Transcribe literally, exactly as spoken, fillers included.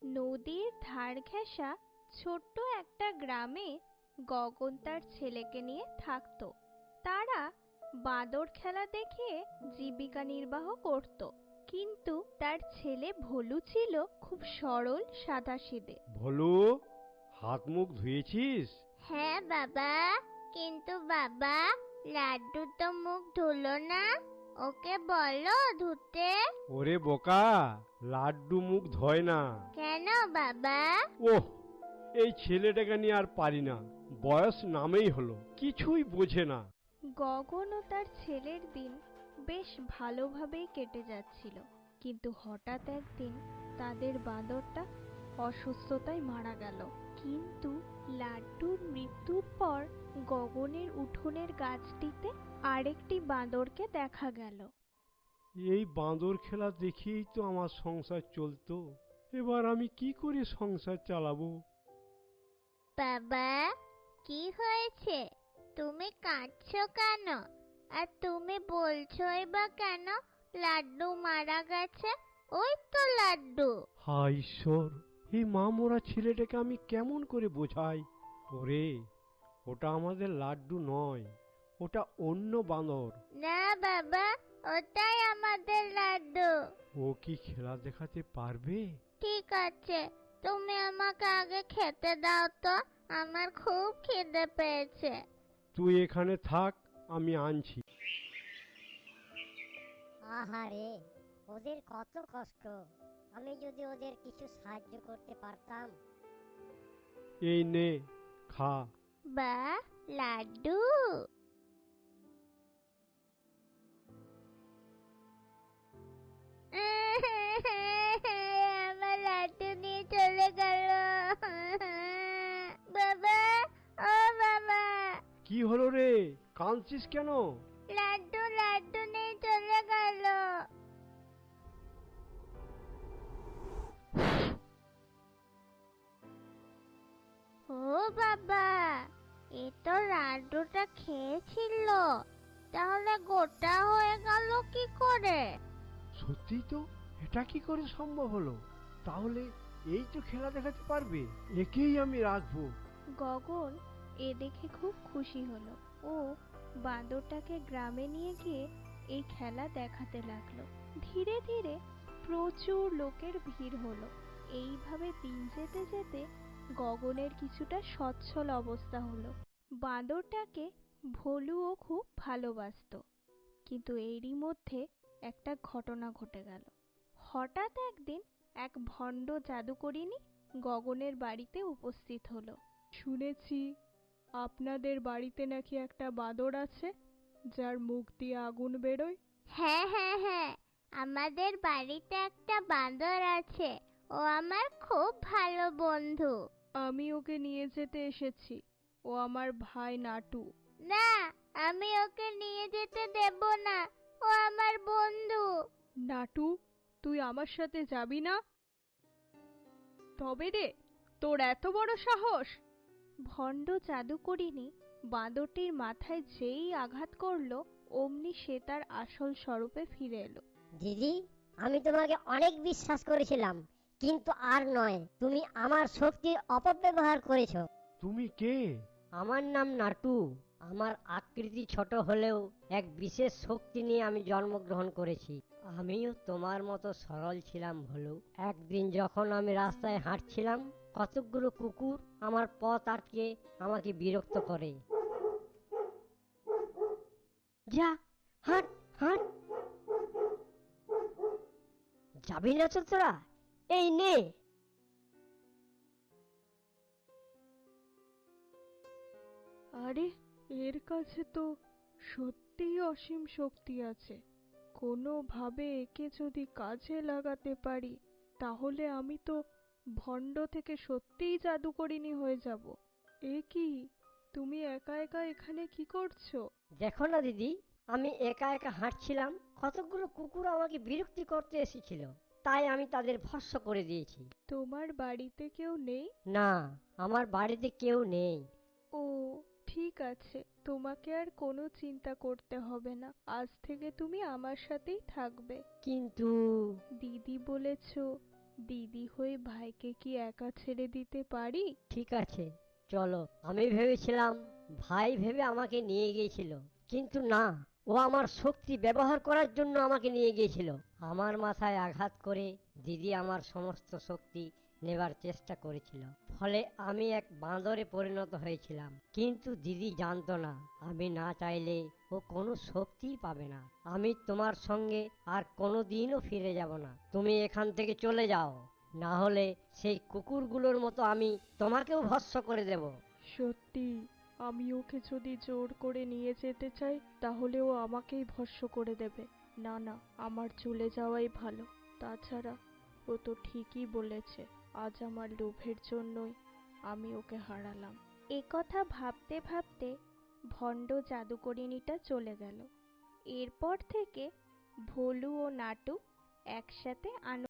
নদীর ধার ঘেঁষা ছোট্ট একটা গ্রামে গগন তার ছেলেকে নিয়ে থাকতো। তারা বাঁদর খেলা দেখিয়ে জীবিকা নির্বাহ করত, কিন্তু তার ছেলে ভোলু ছিল খুব সরল সাদাসিধে। ভোলু, হাত মুখ ধুয়েছিস? হ্যাঁ বাবা, কিন্তু বাবা লাড্ডু তো মুখ ধুলো না, ওকে বলো ধুতে। ওরে বোকা, লাড্ডু মুখ ধয় না। কেন বাবা? ওহ, এই ছেলেটাকে নিয়ে আর পারি না, বয়স নামেই হলো, কিছুই বোঝে না। গগন ও তার ছেলের দিন বেশ ভালোভাবেই কেটে যাচ্ছিল, কিন্তু হঠাৎ একদিন তাদের বাঁদরটা অসুস্থতায় মারা গেল। কিন্তু লাড্ডুর মৃত্যুর পর গগনের উঠোনের গাছটিতে আরেকটি বাঁদরকে দেখা গেল। এই বাঁদর খেলা দেখিয়েই তো আমার সংসার চলতো, এবার আমি কি করে সংসার চালাবো? বাবা, কি হয়েছে? তুমি কাঁদছো কেন? আর তুমি বলছোই বা কেন লাড্ডু মারা গেছে? ওই তো লাড্ডু। হায় ঈশ্বর, এই মা মরা ছেলেটাকে আমি কেমন করে বোঝাই? ওরে, ওটা আমাদের লাড্ডু নয়, ওটা অন্য বাঁদর। না বাবা, ওটাই আমাদের লাড্ডু। ও কি খেলা দেখাতে পারবে? ঠিক আছে, তুমি আমাকে আগে খেতে দাও তো, আমার খুব খিদে পেয়েছে। তুই এখানে থাক, আমি আনছি। আহারে, ওদের কত কষ্ট, আমি যদি ওদের কিছু সাহায্য করতে পারতাম। এই নে, খা। বা, লাড্ডু। আমার লাড্ডু নিয়ে চলে গেল। বাবা, ও বাবা। কি হলো রে, কাঁদছিস কেন? লাড্ডু লাড্ডু নিয়ে চলে গেল। ও বাবা, এ তো লাড্ডুটা খেয়েছিল, তাহলে গোটা হয়ে গেল কি করে? সত্যি তো, এটা কি করে সম্ভব হলো? তাহলে এই তো খেলা দেখাতে পারবে, একেই আমি রাখবো। গগন এ দেখে খুব খুশি হলো। ও বাঁদরটাকে গ্রামে নিয়ে গিয়ে এই খেলা দেখাতে লাগলো। ধীরে ধীরে প্রচুর লোকের ভিড় হলো। এইভাবে দিন যেতে যেতে গগনের কিছুটা সচ্ছল অবস্থা হলো। বাঁদরটাকে ভোলুও খুব ভালোবাসতো। কিন্তু এরই মধ্যে একটা ঘটনা ঘটে গেল। হঠাৎ একদিন এক ভণ্ড জাদুকরিনী গগনের বাড়িতে উপস্থিত হলো। শুনেছি আপনাদের বাড়িতে নাকি একটা বাঁদর আছে, যার মুখ দিয়ে আগুন বেরোয়। হ্যাঁ হ্যাঁ হ্যাঁ, আমাদের বাড়িতে একটা বাঁদর আছে, ও আমার খুব ভালো বন্ধু। আমি ওকে নিয়ে যেতে এসেছি, ও আমার ভাই নাটু। না, আমি ওকে নিয়ে যেতে দেব না, ও আমার বন্ধু। নাটু, তুই আমার সাথে যাবি না? তবে রে, তোর এত বড় সাহস! ভণ্ড জাদুকরিনী বাঁদরটির মাথায় যেই আঘাত করলো, অমনি সে তার আসল স্বরূপে ফিরে এলো। দিদি, আমি তোমাকে অনেক বিশ্বাস করেছিলাম, কিন্তু আর নয়, তুমি আমার শক্তির অপব্যবহার করেছো। তুমি কে? আমার নাম নাটু। আমার আকৃতি ছোট হলেও এক বিশেষ শক্তি নিয়ে আমি জন্মগ্রহণ করেছি। আমিও তোমার মতো সরল ছিলাম ভোলু। একদিন যখন আমি রাস্তায় হাঁটছিলাম, কতকগুলো কুকুর আমার পথ আটকে আমাকে বিরক্ত করে। যা, হাঁট হাঁট। যাবি না তো তোরা? এই নে। আরে, এর কাছে তো সত্যিই অসীম শক্তি আছে। কোনোভাবে একে যদি কাজে লাগাতে পারি, তাহলে আমি তো ভণ্ড থেকে সত্যিই জাদুকরিনী হয়ে যাব। এ কি, তুমি একা একা এখানে কি করছো? দেখো না দিদি, আমি একা একা হাঁটছিলাম, কতগুলো কুকুর আমাকে বিরক্তি করতে এসেছিল, তাই আমি তাদের ভস্ম করে দিয়েছি। তোমার বাড়িতে কেউ নেই? না, আমার বাড়িতে কেউ নেই। ও ঠিক আছে, তোমাকে আর কোনো চিন্তা করতে হবে না। আজ থেকে তুমি আমার সাথেই থাকবে। কিন্তু দিদি বলেছ দিদি হয়ে ভাইকে কি একা ছেড়ে দিতে পারি? ঠিক আছে, চলো। আমি ভেবেছিলাম ভাই ভেবে আমাকে নিয়ে গিয়েছিল, কিন্তু না, ও আমার শক্তি ব্যবহার করার জন্য আমাকে নিয়ে গিয়েছিল। আমার মাথায় আঘাত করে দিদি আমার সমস্ত শক্তি নেবার চেষ্টা করেছিল, ফলে আমি এক বাঁদরে পরিণত হয়েছিলাম। কিন্তু দিদি জানতো না, আমি না চাইলে ও কোনো শক্তিই পাবে না। আমি তোমার সঙ্গে আর কোনোদিনও ফিরে যাব না। তুমি এখান থেকে চলে যাও, না হলে সেই কুকুরগুলোর মতো আমি তোমাকেও ভস্ম করে দেব। সত্যি, আমি ওকে যদি জোর করে নিয়ে যেতে চাই তাহলে ও আমাকেই ভস্ম করে দেবে। না না, আমার চলে যাওয়াই ভালো। তাছাড়া ও তো ঠিকই বলেছে, আজ আমার লোভের জন্যই আমি ওকে হারালাম। এ কথা ভাবতে ভাবতে ভণ্ড জাদুকরিনীটা চলে গেল। এরপর থেকে ভোলু ও নাটু একসাথে আনন্দ